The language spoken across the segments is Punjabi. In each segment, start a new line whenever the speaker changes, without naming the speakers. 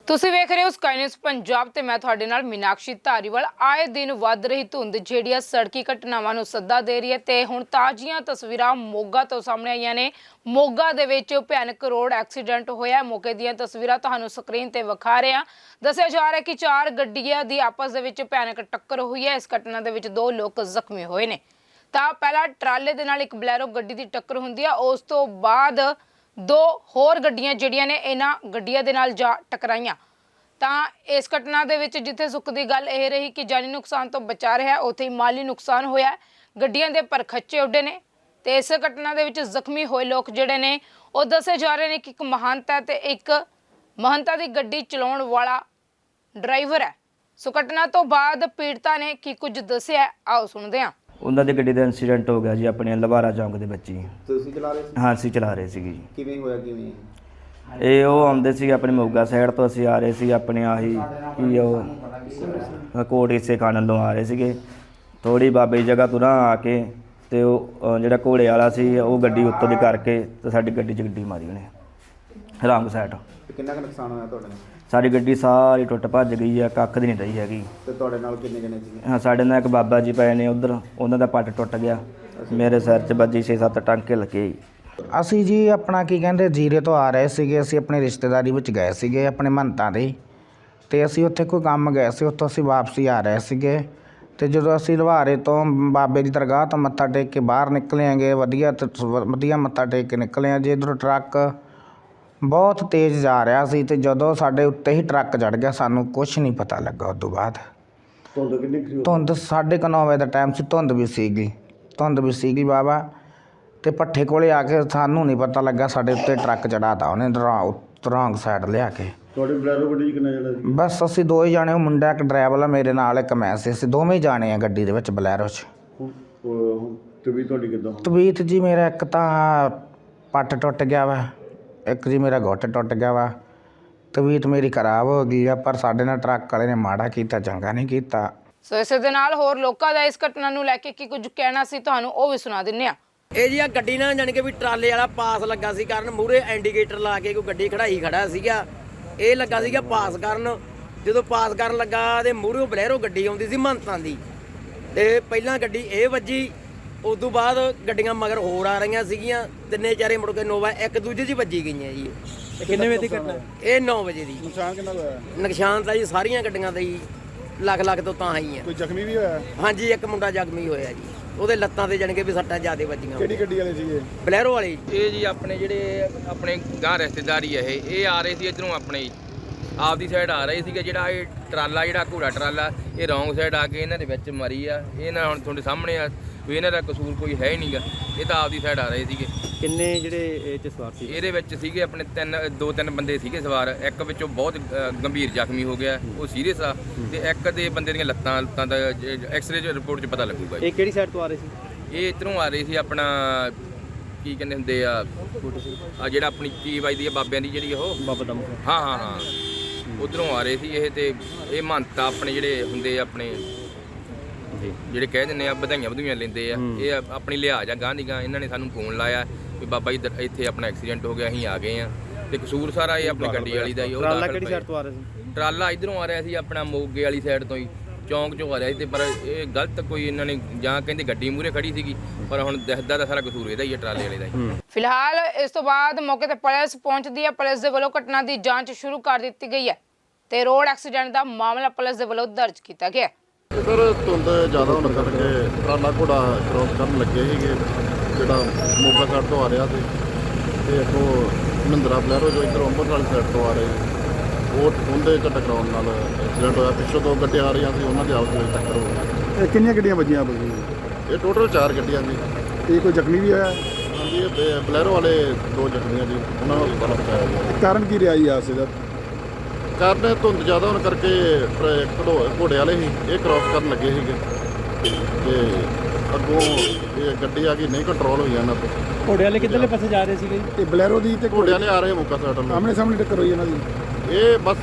ਤੁਸੀਂ ਵੇਖ ਰਹੇ ਹੋ ਸਕਾਈ ਨਿਊਜ਼ ਪੰਜਾਬ ਤੇ ਮੈਂ ਤੁਹਾਡੇ ਨਾਲ ਮੀਨਾਕਸ਼ੀ ਧਾਰੀਵਾਲ। ਆਏ ਦਿਨ ਵੱਧ ਰਹੀ ਧੁੰਦ ਜਿਹੜੀ ਆ ਸੜਕੀ ਘਟਨਾਵਾਂ ਨੂੰ ਸੱਦਾ ਦੇ ਰਹੀ ਹੈ ਤੇ ਹੁਣ ਤਾਜ਼ੀਆਂ ਤਸਵੀਰਾਂ ਮੋਗਾ ਤੋਂ ਸਾਹਮਣੇ ਆਈਆਂ ਨੇ। ਮੋਗਾ ਦੇ ਵਿੱਚ ਭਿਆਨਕ ਰੋਡ ਐਕਸੀਡੈਂਟ ਹੋਇਆ। ਮੌਕੇ ਦੀਆਂ ਤਸਵੀਰਾਂ ਤੁਹਾਨੂੰ ਸਕਰੀਨ ਤੇ ਵਿਖਾ ਰਹੇ ਹਾਂ। ਦੱਸਿਆ ਜਾ ਰਿਹਾ ਕਿ 4 ਗੱਡੀਆਂ ਦੀ ਆਪਸ ਦੇ ਵਿੱਚ ਭਿਆਨਕ ਟੱਕਰ ਹੋਈ ਹੈ। ਇਸ ਘਟਨਾ ਦੇ ਵਿੱਚ 2 ਲੋਕ ਜ਼ਖਮੀ ਹੋਏ ਨੇ। ਤਾਂ ਪਹਿਲਾਂ ਟਰਾਲੇ ਦੇ ਨਾਲ ਇੱਕ ਬਲੈਰੋ ਗੱਡੀ ਦੀ ਟੱਕਰ ਹੁੰਦੀ ਆ, ਉਸ ਤੋਂ ਬਾਅਦ 2 ਹੋਰ ਗੱਡੀਆਂ ਜਿਹੜੀਆਂ ਨੇ ਇਹਨਾਂ ਗੱਡੀਆਂ ਦੇ ਨਾਲ ਜਾ ਟਕਰਾਈਆਂ। ਤਾਂ ਇਸ ਘਟਨਾ ਦੇ ਵਿੱਚ ਜਿੱਥੇ ਸੁੱਖ ਦੀ ਗੱਲ ਇਹ ਰਹੀ ਕਿ ਜਾਨੀ ਨੁਕਸਾਨ ਤੋਂ ਬਚਾ ਰਿਹਾ, ਉੱਥੇ ਹੀ ਮਾਲੀ ਨੁਕਸਾਨ ਹੋਇਆ। ਗੱਡੀਆਂ ਦੇ ਪਰਖੱਚੇ ਉੱਡੇ ਨੇ ਤੇ ਇਸ ਘਟਨਾ ਦੇ ਵਿੱਚ ਜ਼ਖਮੀ ਹੋਏ ਲੋਕ ਜਿਹੜੇ ਨੇ ਉਹ ਦੱਸੇ ਜਾ ਰਹੇ ਨੇ ਕਿ ਇੱਕ ਮਹੰਤ ਹੈ ਤੇ ਇੱਕ ਮਹੰਤਾ ਦੀ ਗੱਡੀ ਚਲਾਉਣ ਵਾਲਾ ਡਰਾਈਵਰ ਹੈ। ਸੋ ਘਟਨਾ ਤੋਂ ਬਾਅਦ ਪੀੜਤਾ ਨੇ ਕੀ ਕੁਝ ਦੱਸਿਆ, ਆਓ ਸੁਣਦੇ ਹਾਂ।
ਉਹਨਾਂ ਦੀ ਗੱਡੀ ਦਾ ਇਨਸੀਡੈਂਟ ਹੋ ਗਿਆ ਜੀ ਆਪਣੇ ਲਵਾਰਾ ਚੌਂਕ ਦੇ ਵਿੱਚ ਹੀ।
ਤੁਸੀਂ ਚਲਾ ਰਹੇ ਸੀ?
ਹਾਂ, ਅਸੀਂ ਚਲਾ ਰਹੇ ਸੀਗੇ ਜੀ।
ਕਿਵੇਂ ਹੋਇਆ ਕਿਵੇਂ?
ਇਹ ਉਹ ਆਉਂਦੇ ਸੀ ਆਪਣੇ ਮੋਗਾ ਸਾਈਡ ਤੋਂ, ਅਸੀਂ ਆ ਰਹੇ ਸੀ ਆਪਣੇ ਆਹੀ ਕੀ ਉਹ ਕੋਟ ਹਿੱਸੇ ਖਾਣ ਵੱਲੋਂ ਆ ਰਹੇ ਸੀਗੇ। ਥੋੜੀ ਬਾਬੇ ਜਗ੍ਹਾ ਤੋਂ ਨਾ ਆ ਕੇ ਤੇ ਉਹ ਜਿਹੜਾ ਘੋੜੇ ਵਾਲਾ ਸੀ ਉਹ ਗੱਡੀ ਉੱਤੋਂ ਦੀ ਕਰਕੇ ਤੇ ਸਾਡੀ ਗੱਡੀ 'ਚ ਗੱਡੀ ਮਾਰੀ ਉਹਨੇ ਰੌਂਗ ਸਾਈਡ।
ਕਿੰਨਾ ਕੁ ਨੁਕਸਾਨ ਹੋਇਆ ਤੁਹਾਡੇ ਨਾਲ?
ਸਾਡੀ ਗੱਡੀ ਸਾਰੀ ਟੁੱਟ ਭੱਜ ਗਈ ਆ, ਕੱਖ ਦੀ ਨਹੀਂ ਰਹੀ ਹੈਗੀ।
ਤੇ ਤੁਹਾਡੇ ਨਾਲ ਕਿੰਨੇ ਜਣੇ ਸੀਗੇ?
ਹਾਂ, ਸਾਡੇ ਨਾਲ ਇੱਕ ਬਾਬਾ ਜੀ ਪਏ ਨੇ ਉੱਧਰ, ਉਹਨਾਂ ਦਾ ਪੱਟ ਟੁੱਟ ਗਿਆ। ਮੇਰੇ ਸਿਰ 'ਚ ਵੱਜੀ 6-7 ਟਾਂਕੇ ਲੱਗੇ।
ਅਸੀਂ ਜੀ ਆਪਣਾ ਕੀ ਕਹਿੰਦੇ ਜੀਰੇ ਤੋਂ ਆ ਰਹੇ ਸੀਗੇ। ਅਸੀਂ ਆਪਣੀ ਰਿਸ਼ਤੇਦਾਰੀ ਵਿੱਚ ਗਏ ਸੀਗੇ ਆਪਣੇ ਮਹੰਤਾਂ ਦੇ, ਤੇ ਅਸੀਂ ਉੱਥੇ ਕੋਈ ਕੰਮ ਗਏ ਸੀ। ਉੱਥੋਂ ਅਸੀਂ ਵਾਪਸੀ ਆ ਰਹੇ ਸੀਗੇ ਤੇ ਜਦੋਂ ਅਸੀਂ ਲਵਾਰੇ ਤੋਂ ਬਾਬੇ ਦੀ ਦਰਗਾਹ ਤੋਂ ਮੱਥਾ ਟੇਕ ਕੇ ਬਾਹਰ ਨਿਕਲੇ ਆਂਗੇ, ਵਧੀਆ ਮੱਥਾ ਟੇਕ ਕੇ ਨਿਕਲੇ ਆ ਜੀ। ਇੱਧਰੋਂ ਟਰੱਕ ਬਹੁਤ ਤੇਜ਼ ਜਾ ਰਿਹਾ ਸੀ ਤੇ ਜਦੋਂ ਸਾਡੇ ਉੱਤੇ ਹੀ ਟਰੱਕ ਚੜ੍ਹ ਗਿਆ, ਸਾਨੂੰ ਕੁਝ ਨਹੀਂ ਪਤਾ ਲੱਗਾ। ਉਸ ਤੋਂ ਬਾਅਦ ਧੁੰਦ 9:30 ਵਜੇ ਦਾ ਟਾਈਮ ਸੀ। ਧੁੰਦ ਵੀ ਸੀਗੀ ਬਾਬਾ। ਤੇ ਭੱਠੇ ਕੋਲੇ ਆ ਕੇ ਸਾਨੂੰ ਨਹੀਂ ਪਤਾ ਲੱਗਾ ਸਾਡੇ ਉੱਤੇ ਟਰੱਕ ਚੜਾਤਾ ਉਹਨੇ ਰੌਂਗ ਸਾਈਡ ਲਿਆ ਕੇ।
ਤੁਹਾਡੇ ਬਲੈਰੋ ਗੱਡੀ 'ਚ ਕਿੰਨੇ ਜਣੇ ਸੀ?
ਬਸ ਅਸੀਂ 2 ਹੀ ਜਾਣੇ, ਉਹ ਮੁੰਡਾ ਇੱਕ ਡਰਾਈਵਰ ਆ ਮੇਰੇ ਨਾਲ, ਇੱਕ ਮੈਂ ਸੀ। ਅਸੀਂ ਦੋਵੇਂ ਹੀ ਜਾਣੇ ਆ ਗੱਡੀ ਦੇ ਵਿੱਚ ਬਲੈਰੋ 'ਚ।
ਤਬੀਅਤ ਤੁਹਾਡੀ ਕਿੱਦਾਂ?
ਤਬੀਅਤ ਜੀ ਮੇਰਾ ਇੱਕ ਤਾਂ ਪੱਟ ਟੁੱਟ ਗਿਆ ਵਾ, ਇੱਕ ਜੀ ਮੇਰਾ ਗੁੱਟ ਟੁੱਟ ਗਿਆ ਵਾ। ਤਬੀਅਤ ਮੇਰੀ ਖਰਾਬ ਹੋ ਗਈ ਆ, ਪਰ ਸਾਡੇ ਨਾਲ ਟਰੱਕ ਵਾਲੇ ਨੇ ਮਾੜਾ ਕੀਤਾ, ਚੰਗਾ ਨਹੀਂ ਕੀਤਾ।
ਸੋ ਇਸੇ ਦੇ ਨਾਲ ਹੋਰ ਲੋਕਾਂ ਦਾ ਇਸ ਘਟਨਾ ਨੂੰ ਲੈ ਕੇ ਕੀ ਕੁਝ ਕਹਿਣਾ ਸੀ ਤੁਹਾਨੂੰ ਉਹ ਵੀ ਸੁਣਾ ਦਿੰਨੇ ਆ।
ਇਹ ਜੀ ਆ ਗੱਡੀ ਨਾ ਜਾਣੀ ਕਿ ਵੀ ਟਰਾਲੇ ਵਾਲਾ ਪਾਸ ਲੱਗਾ ਸੀ ਕਰਨ, ਮੂਹਰੇ ਇੰਡੀਕੇਟਰ ਲਾ ਕੇ ਕੋਈ ਗੱਡੀ ਖੜਾਈ ਖੜਾ ਸੀਗਾ। ਇਹ ਲੱਗਾ ਸੀਗਾ ਪਾਸ ਕਰਨ। ਜਦੋਂ ਪਾਸ ਕਰਨ ਲੱਗਾ ਤੇ ਮੂਹਰੇ ਬਲੈਰੋ ਗੱਡੀ ਆਉਂਦੀ ਸੀ ਮਹੰਤਾਂ ਦੀ, ਤੇ ਪਹਿਲਾਂ ਗੱਡੀ ਇਹ ਵੱਜੀ। ਉਸ ਤੋਂ ਬਾਅਦ ਗੱਡੀਆਂ ਮਗਰ ਹੋਰ ਆ ਰਹੀਆਂ ਸੀਗੀਆਂ, 3 ਚਾਰੇ ਮੁੜ ਕੇ ਨੋਵਾ ਇੱਕ ਦੂਜੇ 'ਚ ਵੱਜੀ ਗਈਆਂ ਜੀ।
ਕਿੰਨੇ ਵਜੇ ਦੀ ਘਟਨਾ?
ਇਹ 9 ਵਜੇ ਦੀ।
ਨੁਕਸਾਨ ਕਿੰਨਾ ਹੋਇਆ?
ਨੁਕਸਾਨ ਤਾਂ ਜੀ ਸਾਰੀਆਂ ਗੱਡੀਆਂ ਦਾ ਹੀ ਲੱਖ ਤੋਂ ਤਾਂ ਆਈ ਆ।
ਕੋਈ ਜ਼ਖਮੀ ਵੀ ਹੋਇਆ?
ਹਾਂਜੀ, ਇੱਕ ਮੁੰਡਾ ਜ਼ਖਮੀ ਹੋਇਆ ਜੀ, ਉਹਦੇ ਲੱਤਾਂ ਤੇ ਜਾਣੀ ਕਿ ਵੀ ਸੱਟਾਂ ਜ਼ਿਆਦਾ ਵੱਜੀਆਂ।
ਕਿਹੜੀ ਗੱਡੀ ਵਾਲੇ ਸੀਗੇ?
ਬਲੈਰੋ ਵਾਲੇ।
ਇਹ ਜੀ ਆਪਣੇ ਜਿਹੜੇ ਆਪਣੇ ਗਾਂ ਰਿਸ਼ਤੇਦਾਰੀ ਹੈ, ਇਹ ਆ ਰਹੇ ਸੀ ਇੱਧਰੋਂ ਆਪਣੇ ਆਪਦੀ ਸਾਈਡ ਆ ਰਹੇ ਸੀਗੇ। ਜਿਹੜਾ ਇਹ ਟਰਾਲਾ ਜਿਹੜਾ ਘੋੜਾ ਟਰਾਲਾ ਇਹ ਰੌਂਗ ਸਾਈਡ ਆ ਕੇ ਇਹਨਾਂ ਦੇ ਵਿੱਚ ਮਰੀ ਆ। ਇਹ ਨਾ ਹੁਣ ਤੁਹਾਡੇ ਸਾਹਮਣੇ ਆ ਵੀ ਇਹਨਾਂ ਦਾ ਕਸੂਰ ਕੋਈ ਹੈ ਹੀ ਨਹੀਂਗਾ, ਇਹ ਤਾਂ ਆਪਦੀ ਸਾਈਡ ਆ ਰਹੇ ਸੀਗੇ।
ਕਿੰਨੇ ਜਿਹੜੇ ਇਹ 'ਚ ਸਵਾਰ ਸੀ?
ਇਹਦੇ ਵਿੱਚ ਸੀਗੇ ਆਪਣੇ 2-3 ਬੰਦੇ ਸੀਗੇ ਸਵਾਰ। ਇੱਕ ਵਿੱਚੋਂ ਬਹੁਤ ਗੰਭੀਰ ਜ਼ਖਮੀ ਹੋ ਗਿਆ, ਉਹ ਸੀਰੀਅਸ ਆ, ਤੇ ਇੱਕ ਦੇ ਬੰਦੇ ਦੀਆਂ ਲੱਤਾਂ ਦਾ ਐਕਸਰੇ ਰਿਪੋਰਟ 'ਚ ਪਤਾ ਲੱਗੂਗਾ।
ਇਹ ਕਿਹੜੀ ਸਾਈਡ ਤੋਂ ਆ ਰਹੇ ਸੀ?
ਇਹ ਇੱਧਰੋਂ ਆ ਰਹੇ ਸੀ ਆਪਣਾ ਕੀ ਕਹਿੰਦੇ ਹੁੰਦੇ ਆ ਜਿਹੜਾ ਆਪਣੀ ਕੀ ਵੱਜਦੀ ਆ ਬਾਬਿਆਂ ਦੀ ਜਿਹੜੀ ਉਹ
ਬਾਬਾ ਦਮ।
ਹਾਂ ਉਧਰੋਂ ਆ ਰਹੇ ਸੀ ਇਹ। ਤੇ ਇਹ ਮਹੰਤ ਆਪਣੇ ਜਿਹੜੇ ਹੁੰਦੇ ਆ ਆਪਣੇ ਜਿਹੜੇ ਕਹਿ ਦਿੰਦੇ ਆ ਵਧਾਈਆਂ ਲੈਂਦੇ ਆ, ਇਹ ਆਪਣੀ ਲਿਹਾਜ਼ ਆ ਗਾਂ ਦੀ ਗਾਂ। ਇਹਨਾਂ ਨੇ ਸਾਨੂੰ ਫੋਨ ਲਾਇਆ ਵੀ ਬਾਬਾ ਜੀ ਇੱਥੇ ਆਪਣਾ ਐਕਸੀਡੈਂਟ ਹੋ ਗਿਆ, ਅਸੀਂ ਆ ਗਏ ਆ। ਤੇ ਕਸੂਰ ਸਾਰਾ ਇਹ ਆਪਣੀ ਗੱਡੀ ਵਾਲੀ ਦਾ ਹੀ। ਉਹ
ਟਰਾਲਾ ਕਿਹੜੀ ਸਾਈਡ ਤੋਂ ਆ ਰਿਹਾ ਸੀ?
ਟਰਾਲਾ ਇੱਧਰੋਂ ਆ ਰਿਹਾ ਸੀ ਆਪਣਾ ਮੋਗੇ ਵਾਲੀ ਸਾਈਡ ਤੋਂ ਹੀ, ਚੌਂਕ 'ਚੋਂ ਆ ਰਿਹਾ ਸੀ। ਤੇ ਪਰ ਇਹ ਗਲਤ ਕੋਈ ਇਹਨਾਂ ਨੇ ਜਾਂ ਕਹਿੰਦੇ ਗੱਡੀ ਮੂਹਰੇ ਖੜੀ ਸੀਗੀ, ਪਰ ਹੁਣ ਦਿਖਦਾ ਤਾਂ ਸਾਰਾ ਕਸੂਰ ਇਹਦਾ ਹੀ ਹੈ, ਟਰਾਲੇ ਵਾਲੇ ਦਾ ਹੀ।
ਫਿਲਹਾਲ ਇਸ ਤੋਂ ਬਾਅਦ ਮੌਕੇ ਤੇ ਪੁਲਿਸ ਪਹੁੰਚਦੀ ਹੈ। ਪੁਲਿਸ ਦੇ ਵੱਲੋਂ ਘਟਨਾ ਦੀ ਜਾਂਚ ਸ਼ੁਰੂ ਕਰ ਦਿੱਤੀ ਗਈ ਹੈ ਤੇ ਰੋਡ ਐਕਸੀਡੈਂਟ ਦਾ ਮਾਮਲਾ ਪੁਲਿਸ ਦੇ ਵੱਲੋਂ ਦਰਜ ਕੀਤਾ ਗਿਆ।
ਸਰ ਧੁੰਦ ਜ਼ਿਆਦਾ ਹੋਣ ਕਰਕੇ ਟਰਾਲਾ ਘੋੜਾ ਕ੍ਰੋਸ ਕਰਨ ਲੱਗੇ ਸੀਗੇ, ਜਿਹੜਾ ਮੋਗਾ ਸਾਈਡ ਤੋਂ ਆ ਰਿਹਾ ਸੀ, ਤੇ ਅੱਗੋਂ ਮਹਿੰਦਰਾ ਬਲੈਰੋ ਜੋ ਇੱਧਰੋਂ ਅੰਮ੍ਰਿਤਸਰ ਵਾਲੀ ਸਾਈਡ ਤੋਂ ਆ ਰਹੇ, ਉਹ ਉਹਦੇ 'ਚ ਟਕਰਾਉਣ ਨਾਲ ਐਕਸੀਡੈਂਟ ਹੋਇਆ। ਪਿੱਛੋਂ 2 ਗੱਡੀਆਂ ਆ ਰਹੀਆਂ ਸੀ, ਉਹਨਾਂ ਦੀ ਆਪਸ ਵਿੱਚ ਟੱਕਰ ਹੋ ਗਈ।
ਇਹ ਕਿੰਨੀਆਂ ਗੱਡੀਆਂ ਵੱਜੀਆਂ?
ਇਹ ਟੋਟਲ 4 ਗੱਡੀਆਂ ਸੀ।
ਇਹ ਕੋਈ ਜ਼ਖਮੀ ਵੀ ਹੋਇਆ?
ਹਾਂਜੀ, ਇਹ ਬਲੈਰੋ ਵਾਲੇ 2 ਜ਼ਖਮੀ ਆ ਜੀ, ਉਹਨਾਂ ਨੂੰ ਹਸਪਤਾਲ ਪਹੁੰਚਾਇਆ ਗਿਆ।
ਕਾਰਨ ਕੀ ਰਿਹਾ ਜੀ ਹਾਦਸੇ ਦਾ?
ਕਾਰਨ ਧੁੰਦ ਜ਼ਿਆਦਾ ਹੋਣ ਕਰਕੇ ਘੋੜੇ ਵਾਲੇ ਸੀ, ਇਹ ਕ੍ਰੋਸ ਕਰਨ ਲੱਗੇ ਸੀਗੇ, ਤੇ ਅੱਗੋਂ ਇਹ ਗੱਡੀ ਆ ਗਈ, ਨਹੀਂ ਕੰਟਰੋਲ ਹੋਈ ਇਹਨਾਂ ਤੋਂ।
ਘੋੜੇ ਵਾਲੇ ਕਿੱਧਰਲੇ ਪਾਸੇ ਜਾ ਰਹੇ ਸੀਗੇ? ਤੇ ਬਲੈਰੋ ਦੀ ਤੇ
ਘੋੜੇ ਵਾਲੇ ਆ ਰਹੇ ਮੋਗਾ ਸਾਈਡ ਨੂੰ।
ਆਮਣੇ ਸਾਹਮਣੇ ਟੱਕਰ ਹੋਈ ਇਹਨਾਂ ਦੀ?
ਇਹ ਬਸ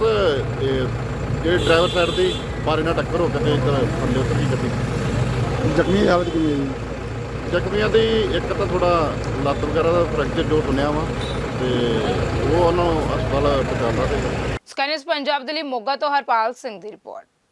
ਇਹ ਡਰਾਈਵਰ ਸਾਈਡ ਦੀ ਬਾਰੇ ਨਾਲ ਟੱਕਰ ਹੋ ਕੇ ਤੇ ਇੱਧਰ ਥੱਲੇ ਉਤਰ ਗਈ ਗੱਡੀ।
ਜ਼ਖਮੀ ਦੀ ਹਾਲਤ ਕਿਵੇਂ ਹੈ ਜੀ?
ਜ਼ਖਮੀਆਂ ਦੀ ਇੱਕ ਤਾਂ ਥੋੜਾ ਲੱਤ ਵਗੈਰਾ ਦਾ ਫ੍ਰੈਕਚਰ ਜੋ ਸੁਣਿਆ ਵਾ, ਤੇ ਉਹ ਉਹਨਾਂ ਨੂੰ ਹਸਪਤਾਲ ਪਹੁੰਚਾਉਣਾ ਤੇ
ਸਕਾਈ ਨਿਊਜ਼ ਪੰਜਾਬ ਦੇ ਲਈ ਮੋਗਾ ਤੋਂ ਹਰਪਾਲ ਸਿੰਘ ਦੀ ਰਿਪੋਰਟ।